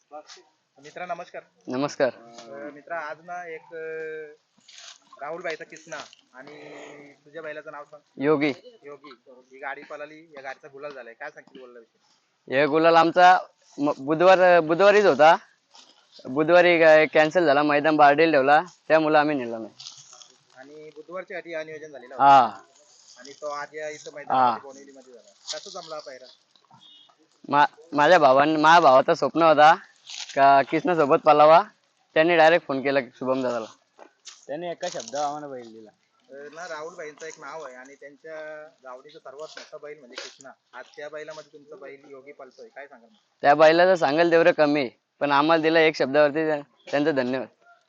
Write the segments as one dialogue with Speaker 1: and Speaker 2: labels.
Speaker 1: मित्रा नमस्कार.
Speaker 2: नमस्कार.
Speaker 1: मित्रा आज ना एक राहुल भाईचा किस्सा आणि तुझ्या बैलाचं नाव सांग.
Speaker 2: योगी.
Speaker 1: योगी. ही गाडी पळाली, या गाडीचा गुलाल झालाय, काय सांगशील बोलला विषय?
Speaker 2: हे गुलाल आमचा बुधवारीच होता. बुधवारी कॅन्सल झाला, मैदान बारडेल ठेवला, त्यामुळे आम्ही नेला नाही.
Speaker 1: आणि बुधवारच्या आधी हा नियोजन झालेला
Speaker 2: हा.
Speaker 1: आणि तो आज या इथं मैदानामध्ये बोनिवली मध्ये झाला. कसं जमला पायरा?
Speaker 2: माझ्या भावाचं स्वप्न होता का कृष्णा सोबत पळावा. त्यांनी डायरेक्ट फोन केला शुभम दादाला. त्याने एका शब्दावर आम्हाला बैल दिला.
Speaker 1: ना राहुल भाईंचं एक नाव आहे आणि त्यांच्या गावडीचं सर्वात मोठा बैल म्हणजे कृष्णा. आज त्या बैलामध्ये तुमचा बैल योगी पळतोय, काय सांगाल?
Speaker 2: त्या बैलाचं सांगाल तेवढं कमी आहे, पण आम्हाला दिला एक शब्दावरती त्यांचं धन्यवाद.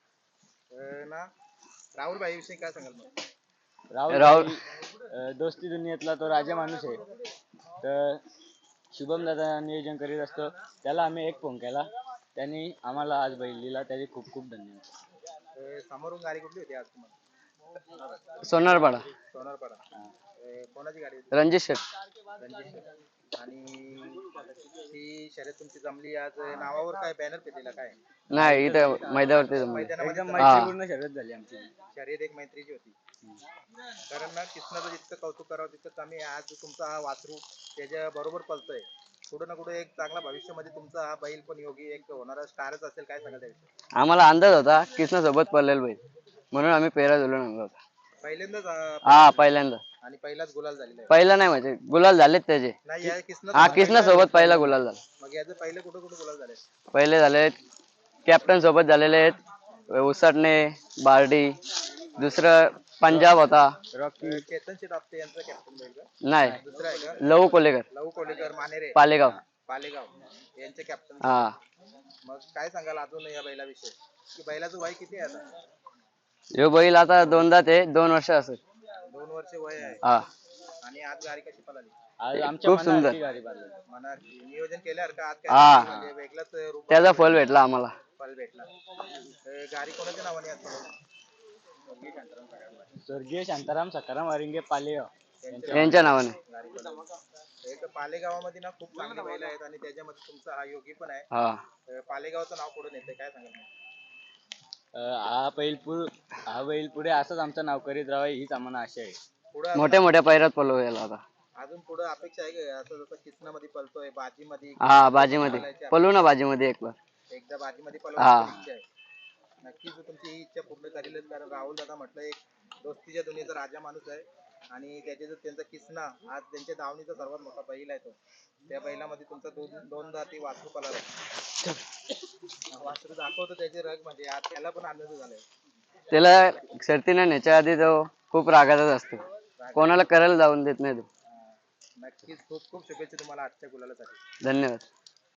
Speaker 1: ना राहुल भाई विषयी काय सांगाल मग?
Speaker 2: राहुल दोस्ती दुनियेतला तो राजा माणूस आहे. तर शुभम दादा नियोजन करीत असतो, त्याला आम्ही एक फोन केला, त्यांनी आम्हाला आज बैल दिला, त्याचे खूप खूप धन्यवाद.
Speaker 1: समोरून गाडी कुठली होती आज तुम्हाला?
Speaker 2: सोनारपाडा.
Speaker 1: सोनारपाडा. कोणाची गाडी?
Speaker 2: रणजित शेठ.
Speaker 1: रणजित शेठ. आणि ही शर्यत तुमची जमली आज, नावावर काय बॅनर पेटलेला काय?
Speaker 2: नाही, इथं मैदानावरती
Speaker 1: एकदम
Speaker 2: मैत्रीपूर्ण
Speaker 1: शर्यत झाली आमची. शर्यत एक मैत्रीची होती. कारण ना कृष्णाचं जितकं कौतुक करावं तितकं कमी आहे. आज तुमचा हा वासरू त्याच्या बरोबर पळतोय, कुठं ना कुठं एक चांगला भविष्यामध्ये तुमचा हा बैल पण योगी एक होणारा स्टारच असेल, काय सांगा त्याविषयी?
Speaker 2: आम्हाला अंदाज होता कृष्णा सोबत पळलेला बैल, म्हणून आम्ही पेरा झुलून आणला होता.
Speaker 1: पहिल्यांदाच
Speaker 2: हा, पहिल्यांदा.
Speaker 1: आणि पहिलाच गुलाल झालेला आहे.
Speaker 2: पहिला नाही म्हणजे गुलाल झालेत त्याचे.
Speaker 1: नाही, या
Speaker 2: हा, कृष्णा सोबत पहिला गुलाल झाला.
Speaker 1: मग याचे पहिले कुठं कुठं गुलाल झाले?
Speaker 2: पहिले झाले कॅप्टन सोबत झालेले आहेत, उसाटणे, बार्डी. दुसरं पंजाब होता.
Speaker 1: रॉकी. चेतन शेट आपटे यांचा कॅप्टन बैल का?
Speaker 2: नाही,
Speaker 1: दुसरा आहे का?
Speaker 2: लहू कोलेकर.
Speaker 1: लहू कोलेकर मानेरे
Speaker 2: पालेगाव.
Speaker 1: पालेगाव यांचे कॅप्टन.
Speaker 2: हा.
Speaker 1: मग काय सांगाल अजून या बैलाविषयी, की बैलाचं वय किती आहे आता?
Speaker 2: ह्यो बैल आता दोनदा ते 2 वर्ष असेल.
Speaker 1: 2 वर्ष वय आहे.
Speaker 2: हा.
Speaker 1: आणि आज गाडी कशी पळाली?
Speaker 2: आज आमच्या खूप सुंदर
Speaker 1: गाडी पळाली. मनाची नियोजन केल्यावर का आज
Speaker 2: हा.
Speaker 1: काय म्हणजे वेगळाच रूप
Speaker 2: त्याचा फल भेटला आम्हाला.
Speaker 1: फल भेटला. गाडी कोणाच्या नावाने आज पळाली?
Speaker 2: स्वर्गीय शांताराम सखाराम वारिंगे पालेगाव यांच्या नावाने.
Speaker 1: एक पालेगावामध्ये ना खूप चांगले बैल आहेत आणि त्याच्यामध्ये तुमचा हा योगी पण आहे.
Speaker 2: हा.
Speaker 1: पालेगावचं नाव पुढे नेते, काय सांगाल?
Speaker 2: हा बैल पुढे असंच आमचं नाव करीत राहावं हीच आम्हाला आशा आहे. मोठ्या मोठ्या पैरात पळवू याला आता.
Speaker 1: अजून पुढे अपेक्षा आहे का असं जसं किसनामध्ये पळतोय, बाजीमध्ये?
Speaker 2: हा, बाजीमध्ये पळू ना, बाजीमध्ये
Speaker 1: एकदा बाजीमध्ये पळवायची इच्छा आहे. नक्कीच तुमची ही इच्छा पूर्ण करेलच, कारण राहुल दादा म्हटलं एक दोस्तीच्या दुनियेचा राजा माणूस आहे आणि त्यांचा किसना आज त्यांच्या दावणीचा सर्वात मोठा बैल आहे. तो त्या बैलामध्ये तुमचा दोनदा ती वासरू पळाला. वासरू दाखवतो त्याचे रग, म्हणजे आज त्याला पण आनंद झालाय.
Speaker 2: त्याला शर्तीने न्यायच्या आधी तो खूप रागातच असतो, कोणाला करायला जाऊन देत नाही तो.
Speaker 1: नक्कीच खूप खूप शुभेच्छा तुम्हाला आजच्या गुलालासाठी.
Speaker 2: धन्यवाद.